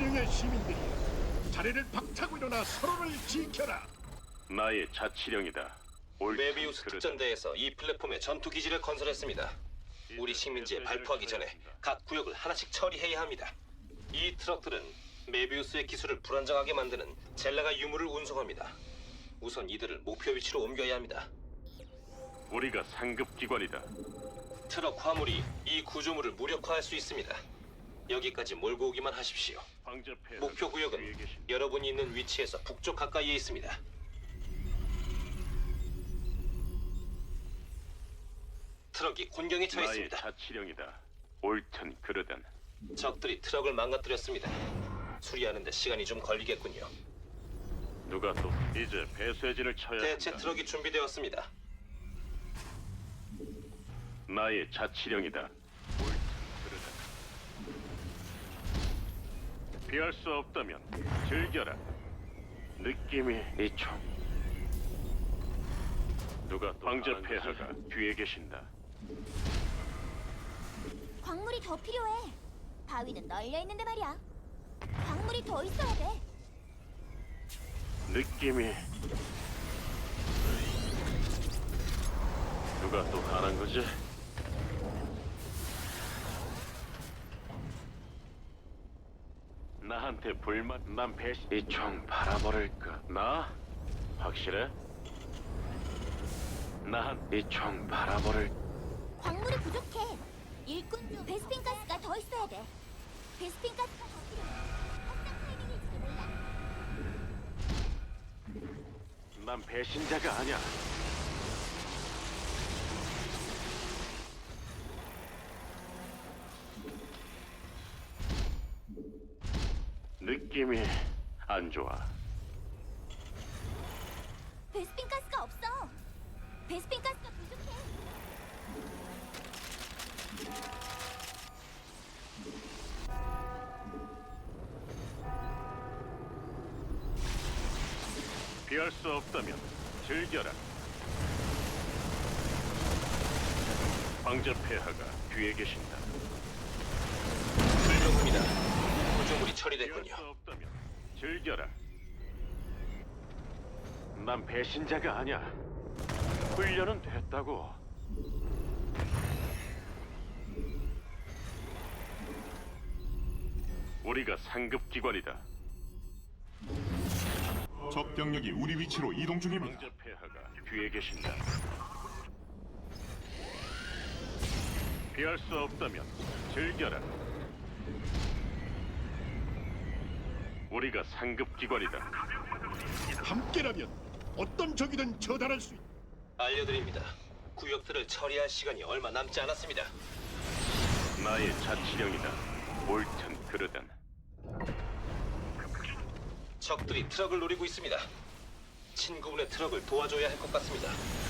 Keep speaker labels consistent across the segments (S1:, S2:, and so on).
S1: 대령의 시민들이 자리를 박차고 일어나 서로를 지켜라.
S2: 나의 자치령이다. 옳든
S3: 메비우스
S2: 그르든.
S3: 특전대에서 이 플랫폼에 전투 기지를 건설했습니다. 우리 식민지에 발포하기 전에 각 구역을 하나씩 처리해야 합니다. 이 트럭들은 메비우스의 기술을 불안정하게 만드는 젤라가 유물을 운송합니다. 우선 이들을 목표 위치로 옮겨야 합니다.
S2: 우리가 상급 기관이다.
S3: 트럭 화물이 이 구조물을 무력화할 수 있습니다. 여기까지 몰고 오기만 하십시오.
S2: 방접해.
S3: 목표 구역은 여러분이 있는 위치에서 북쪽 가까이에 있습니다. 트럭이 곤경에 처해
S2: 나의
S3: 있습니다.
S2: 자치령이다. 옳든 그르든.
S3: 적들이 트럭을 망가뜨렸습니다. 수리하는데 시간이 좀 걸리겠군요.
S2: 누가 또 이제 배쇄진을 쳐야
S3: 대체
S2: 한다.
S3: 트럭이 준비되었습니다.
S2: 나의 자치령이다. 옳든 그르든. 피할 수 없다면 즐겨라. 느낌이 이총. 누가 또 황제 폐하가 뒤에 계신다.
S4: 광물이 더 필요해. 바위는 널려 있는데 말이야. 광물이 더 있어야 돼.
S2: 느낌이 누가 또 가난 거지? 나한테 불만 난 배신 이총 바라버릴까? 나? 확실해? 나한 이총 바라버릴
S4: 광물이 부족해. 일꾼 중 베스핀 가스가 더 있어야 돼. 베스핀 가스가 더 필요해. 확장 타이밍일지도 몰라.
S2: 난 배신자가 아니야. 느낌이 안 좋아.
S4: 베스핀 가스가 없어. 베스핀 가스가 부족해.
S2: 피할 수 없다면 즐겨라. 황제 폐하가 뒤에 계신다.
S3: 훌륭합니다. 구조물이
S2: 피할 수
S3: 처리됐군요.
S2: 없다면 즐겨라. 난 배신자가 아니야. 훈련은 됐다고. 우리가 상급 기관이다.
S5: 적 병력이 우리 위치로 이동 중입니다.
S2: 황제 폐하가 뒤에 계신다. 피할 수 없다면 즐겨라. 우리가 상급 기관이다.
S1: 함께라면 어떤 적이든 처단할 수 있다.
S3: 알려드립니다. 구역들을 처리할 시간이 얼마 남지 않았습니다.
S2: 나의 자치령이다. 옳든 그르든.
S3: 적들이 트럭을 노리고 있습니다. 친구분의 트럭을 도와줘야 할 것 같습니다.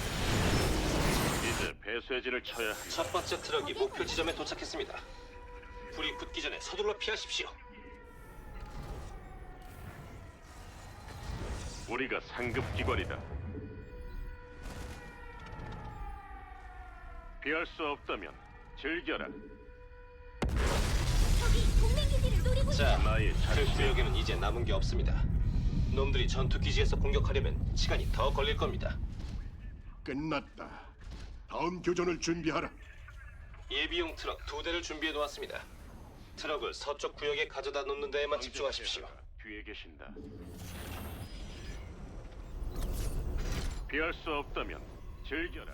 S2: 이제 배쇄진을 쳐야 한다.
S3: 첫 번째 트럭이 목표 지점에 도착했습니다. 불이 붙기 전에 서둘러 피하십시오.
S2: 우리가 상급 기관이다. 피할 수 없다면 즐겨라.
S4: 저기 동맹 기지를 노리고 있어.
S3: 자,
S2: 나의
S3: 그
S2: 자치령.
S3: 구역에는 이제 남은 게 없습니다. 놈들이 전투 기지에서 공격하려면 시간이 더 걸릴 겁니다.
S1: 끝났다. 다음 교전을 준비하라.
S3: 예비용 트럭 2대를 준비해 놓았습니다. 트럭을 서쪽 구역에 가져다 놓는 데에만 집중하십시오.
S2: 뒤에 계신다. 피할 수 없다면 즐겨라.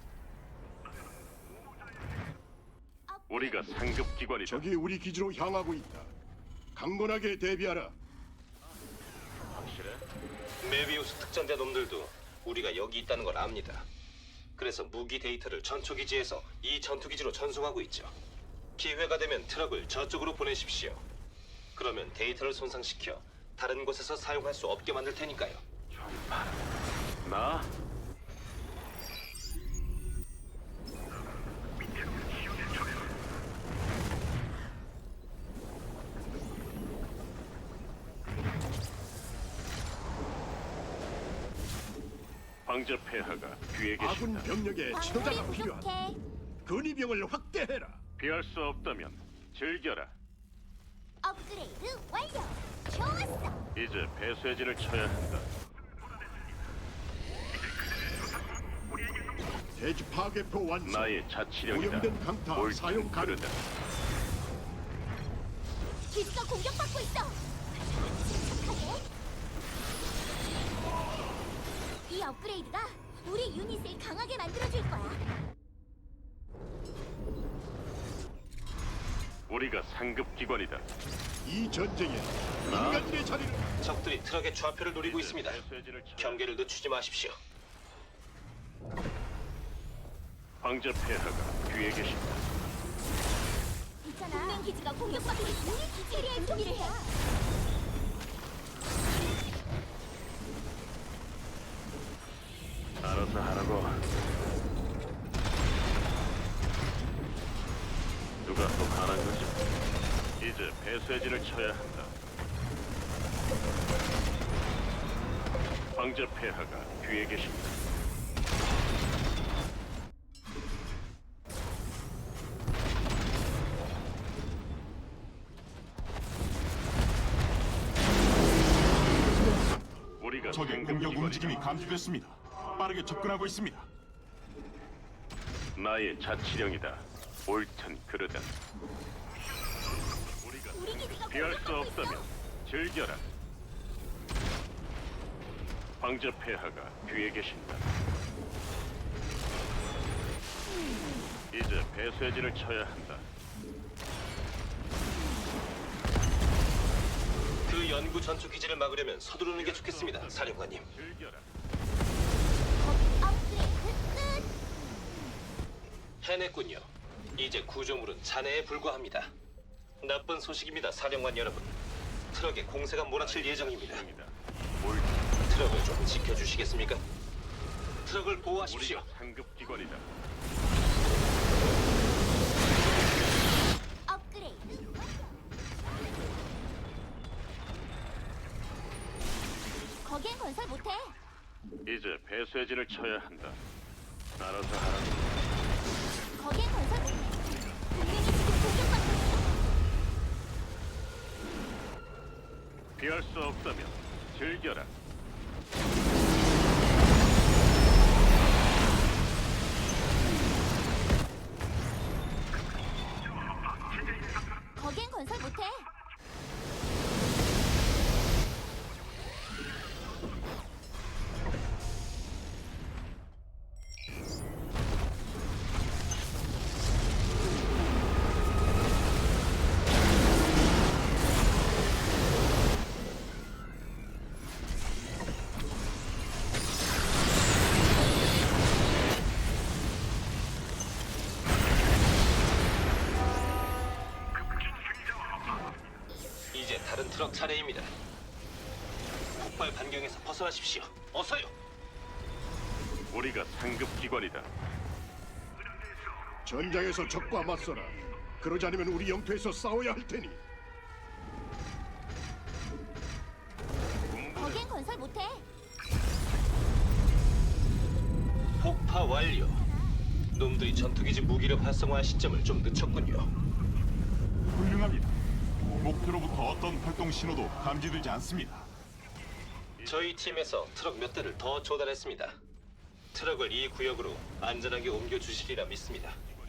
S2: 우리가 상급 기관이다.
S1: 적이 우리 기지로 향하고 있다. 강건하게 대비하라.
S2: 확실해?
S3: 메비우스 특전대 놈들도 우리가 여기 있다는 걸 압니다. 그래서 무기 데이터를 전초기지에서 이 전투기지로 전송하고 있죠. 기회가 되면 트럭을 저쪽으로 보내십시오. 그러면 데이터를 손상시켜 다른 곳에서 사용할 수 없게 만들 테니까요.
S2: 나? 황제 폐하가 뒤에
S1: 아군
S2: 계신다.
S1: 병력의
S4: 광물이
S1: 지도자가 필요하다.
S4: 부족해.
S1: 근위병을 확대해라.
S2: 피할 수 없다면 즐겨라.
S4: 업그레이드 완료. 좋았어.
S2: 이제 배쇄진을 쳐야 한다.
S1: 대지 파괴포 완성.
S2: 나의 자치령이다.
S1: 오염된 강타 사용
S2: 옳든
S1: 가능.
S2: 그르다.
S4: 기지가 공격받고 있어. 침착하게. 이 업그레이드가 우리 유닛을 강하게 만들어줄 거야.
S2: 우리가 상급 기관이다.
S1: 이 전쟁에 인간들의 자리를
S3: 적들이 트럭의 좌표를 노리고 있습니다.
S2: 배쇄진을 쳐야
S3: 경계를 늦추지 마십시오.
S2: 황제 폐하가 뒤에 계신다.
S4: 있잖아. 동맹 기지가 공격받고 있어. 우리 기지에 준비를 해.
S2: 알아서 하라고. 누가 또 가난 거지? 이제 배쇄진을 쳐야 한다. 황제 폐하가 뒤에 계신다. 우리가
S5: 적의
S2: 상급
S5: 공격
S2: 기관이다.
S5: 움직임이 감지됐습니다. 빠르게 접근하고 있습니다.
S2: 나의 자치령이다. 옳든 그르다. 우리가
S4: 우리 기지가
S2: 피할 수
S4: 공격받고 있어.
S2: 없다면 즐겨라. 황제 폐하가 뒤에 계신다. 이제 배쇄진을 쳐야 한다.
S3: 그 연구 전투 기지를 막으려면 서두르는 게 좋겠습니다, 사령관님.
S2: 즐겨라.
S4: 업그레이드 끝.
S3: 해냈군요. 이제 구조물은 잔해에 불과합니다. 나쁜 소식입니다, 사령관 여러분. 트럭에 공세가 몰아칠 예정입니다.
S2: 자치령이다. 옳든
S3: 트럭을 좀 지켜주시겠습니까? 트럭을 보호하십시오.
S2: 우리가 상급 기관이다.
S4: 업그레이드 완료. 거기엔 건설 못해.
S2: 이제 배쇄진을 쳐야 한다. 알아서 하라고.
S4: 거기엔 건설 못해. 동맹이 지금 공격받고 있어.
S2: 피할 수 없다면 즐겨라.
S4: 거기엔 건설 못해.
S3: 이제 다른 트럭 차례입니다. 폭발 반경에서 벗어나십시오. 어서요.
S2: 우리가 상급 기관이다.
S1: 전장에서 적과 맞서라. 그러지 않으면 우리 영토에서 싸워야 할 테니.
S4: 거기엔 건설 못해.
S3: 폭파 완료. 놈들이 전투기지 무기를 활성화할 시점을 좀 늦췄군요.
S5: 훌륭합니다. 목표로부터 어떤 활동 신호도 감지되지 않습니다.
S3: 저희 팀에서 트럭 몇 대를 더 조달했습니다. 트럭을 이 구역으로 안전하게 옮겨 주시리라 믿습니다.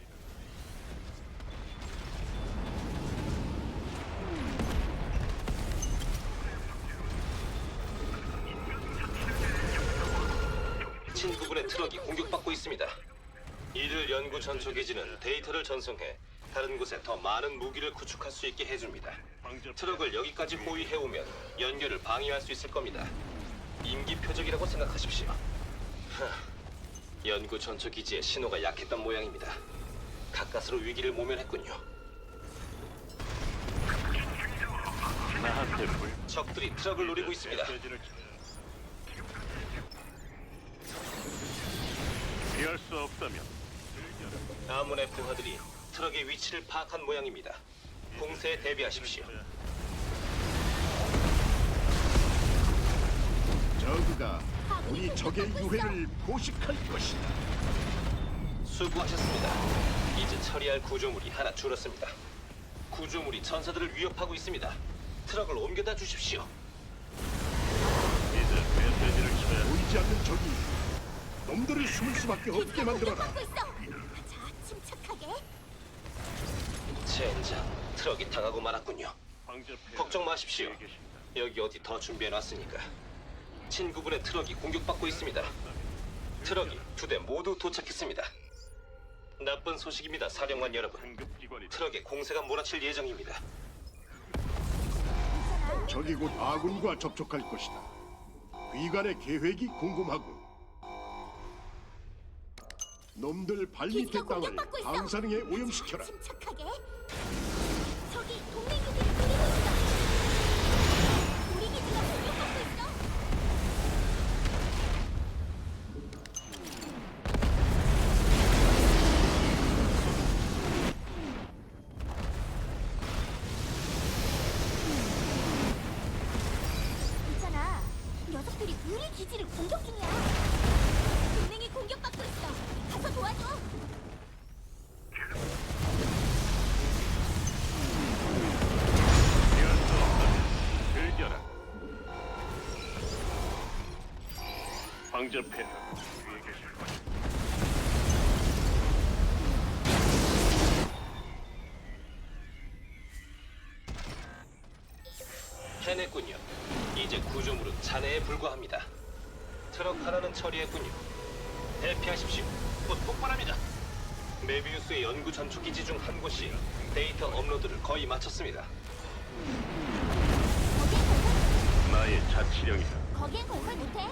S3: 친구분의 트럭이 공격받고 있습니다. 이들 연구 전투 기지는 데이터를 전송해 다른 곳에 더 많은 무기를 구축할 수 있게 해줍니다. 트럭을 여기까지 호위해오면 연결을 방해할 수 있을 겁니다. 임기 표적이라고 생각하십시오. 연구 전투 기지의 신호가 약했던 모양입니다. 가까스로 위기를 모면했군요.
S2: 나한테 불.
S3: 적들이 트럭을 노리고 있습니다.
S2: 배쇄진을 쳐. 피할 수 없다면 즐겨라.
S3: 아문의 부하들이 트럭의 위치를 파악한 모양입니다. 공세에 대비하십시오.
S1: 저그가 우리 적의 유해를 포식할 것이다.
S3: 수고하셨습니다. 이제 처리할 구조물이 하나 줄었습니다. 구조물이 전사들을 위협하고 있습니다. 트럭을 옮겨다 주십시오.
S2: 이제 메시지를 쳐야
S1: 보이지 않는 적이 놈들을 숨을 수밖에 없게
S4: 기지가
S1: 만들어라.
S4: 공격받고 있어. 자, 침착하게.
S3: 젠장, 트럭이 당하고 말았군요.
S2: 황제 폐하가
S3: 걱정 마십시오.
S2: 뒤에 계십니다.
S3: 여기 어디 더 준비해놨으니까. 친구분의 트럭이 공격받고 있습니다. 트럭이 2대 모두 도착했습니다. 나쁜 소식입니다, 사령관 여러분.
S2: 상급기관이다.
S3: 트럭에 공세가 몰아칠 예정입니다.
S1: 적이 곧 아군과 접촉할 것이다. 위관의 계획이 궁금하군. 놈들 발밑에
S4: 기지가
S1: 땅을
S4: 공격받고 있어.
S1: 방사능에 오염시켜라.
S4: 침착하게. 저기 동맹 기지를 노리고 있어. 우리 기지가 공격받고 있어. 있잖아. 녀석들이 우리 기지를 공격 중이야. 동맹이 공격받고 있어. 가서 도와줘.
S2: 피할 수 없다면 즐겨라. 황제 폐하가 뒤에 계실 것이다.
S3: 해냈군요. 이제 구조물은 잔해에 불과합니다. 트럭 하나는 처리했군요. 대피하십시오. 곧 폭발합니다. 메비우스의 연구 전초기지 중 한 곳이 데이터 업로드를 거의 마쳤습니다.
S2: 나의 자치령이다.
S4: 거기엔 건설 못해.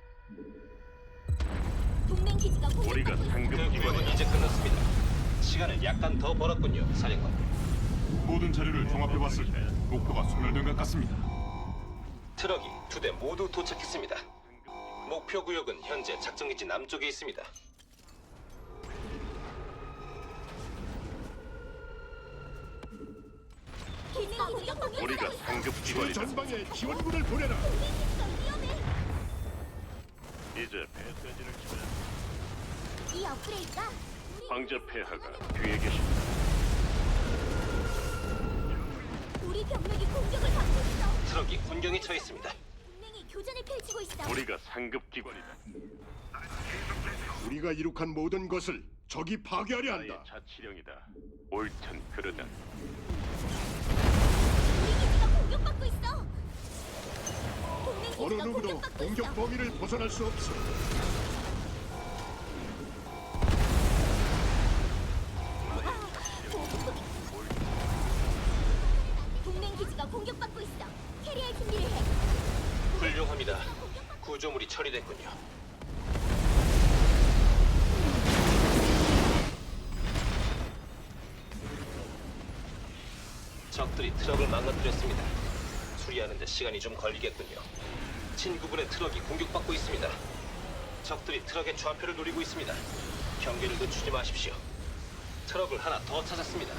S4: 동맹 기지가
S2: 우리가
S4: 공격받고 있어.
S3: 그 구역은
S2: 상급기관이다.
S3: 이제 끝났습니다. 시간을 약간 더 벌었군요, 사령관.
S5: 모든 자료를 종합해봤을 때 목표가 소멸된 것 같습니다.
S3: 트럭이 2대 모두 도착했습니다. 목표 구역은 현재 작전기지 남쪽에 있습니다.
S4: 기지가 공격받고 있어.
S2: 우리가 상급기관이다.
S1: 최전방에 지원군을 보내라.
S4: 동맹 기지가 위험해.
S2: 이제 메시지를 쳐야
S4: 이 업그레이드가
S2: 황제 폐하가 뒤에 계십니다.
S4: 우리 병력이 공격을 받고 있어.
S3: 트럭이 군경에 처해 있습니다.
S4: 동맹이 교전을 펼치고 있어.
S2: 우리가 상급기관이다.
S1: 우리가 이룩한 모든 것을 적이 파괴하려
S2: 나의
S1: 한다.
S2: 자치령이다. 옳든 그르든
S4: 우리 기지가 공격받고 있어. 동맹
S1: 어느
S4: 기지가
S1: 누구도
S4: 공격받고
S1: 공격
S4: 있어.
S1: 범위를 벗어날 수 없어.
S4: 동맹 기지가 공격받고 있어. 캐리할 준비를 해.
S3: 훌륭합니다. 구조물이 처리됐군요. 적들이 트럭을 망가뜨렸습니다. 수리하는데 시간이 좀 걸리겠군요. 친구분의 트럭이 공격받고 있습니다. 적들이 트럭의 좌표를 노리고 있습니다. 경계를 늦추지 마십시오. 트럭을 하나 더 찾았습니다.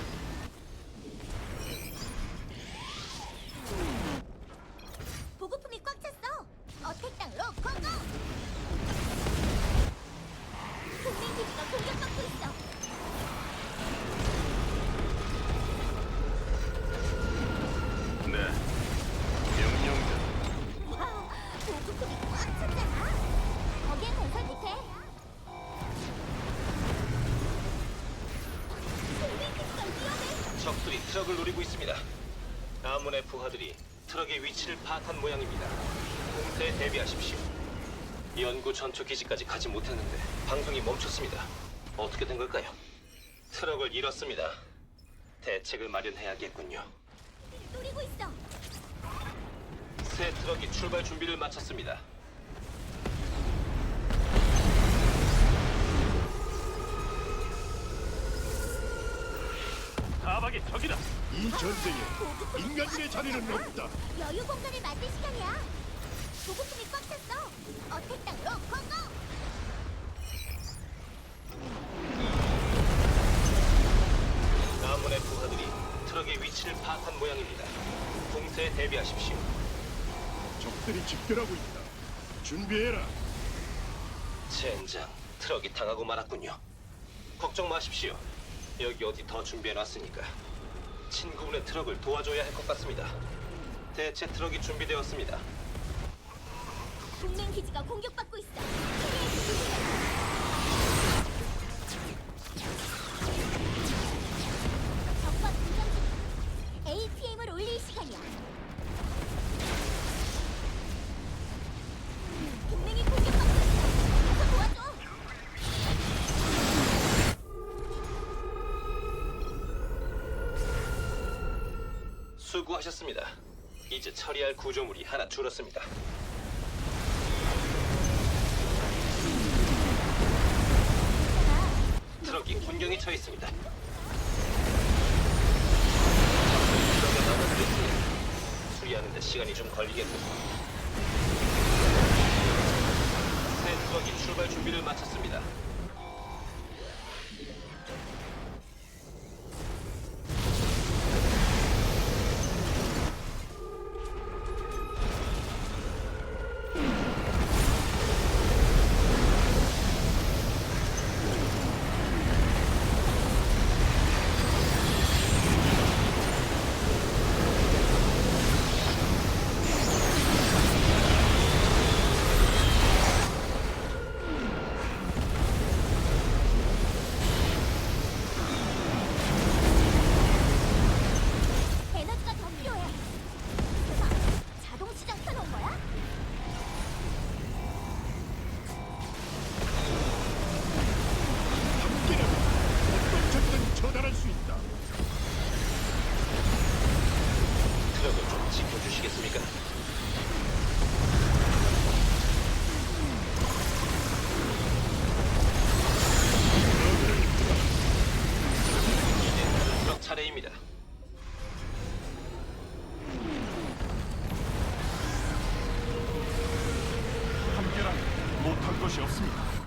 S4: 보급품이 꽉 찼어. 어택 땅으로 고고. 동맹 기지가 공격받고 있어.
S2: 네. 명령자.
S4: 와, 보급품이 꽉 찼잖아. 거기엔 건설 못해. 동맹 기지가 위험해.
S3: 적들이 트럭을 노리고 있습니다. 아문의 부하들이 트럭의 위치를 파악한 모양입니다. 공세에 대비하십시오. 연구 전초 기지까지 가지 못했는데 방송이 멈췄습니다. 어떻게 된 걸까요? 트럭을 잃었습니다. 대책을 마련해야겠군요.
S4: 노리고 있어.
S3: 새 트럭이 출발 준비를 마쳤습니다.
S2: 사박의 적이다.
S1: 이 전쟁에 인간의 자리는 없다.
S4: 여유 공간을 만들 시간이야. 보급품이 꽉 찼어. 어택 땅으로 고고.
S3: 아문의 부하들이 트럭의 위치를 파악한 모양입니다. 공세에 대비하십시오.
S1: 적들이 집결하고 있다. 준비해라.
S3: 젠장, 트럭이 당하고 말았군요. 걱정 마십시오. 여기 어디 더 준비해놨으니까. 친구분의 트럭을 도와줘야 할 것 같습니다. 대체 트럭이 준비되었습니다.
S4: 동맹 기지가 공격받고 있어. 캐리의 기지가. 적과 교전 중. APM을 올릴 시간이야. 동맹이 공격받고 있어. 가서 도와줘.
S3: 수고하셨습니다. 이제 처리할 구조물이 하나 줄었습니다. 트럭이 군경에 처해 있습니다. 트럭에 넘어뜨렸습니다. 수리하는 데 시간이 좀 걸리겠군요. 새 트럭이 출발 준비를 마쳤습니다.
S4: 에너지가 더 필요해. 자동 시장 켜놓은 거야?
S1: 함께라면 어떤 적이든 처단할 수 있다.
S3: 트럭을 좀 지켜주시겠습니까? 이제 다른 트럭 차례입니다.
S5: 함께라면 못할 것이 없습니다.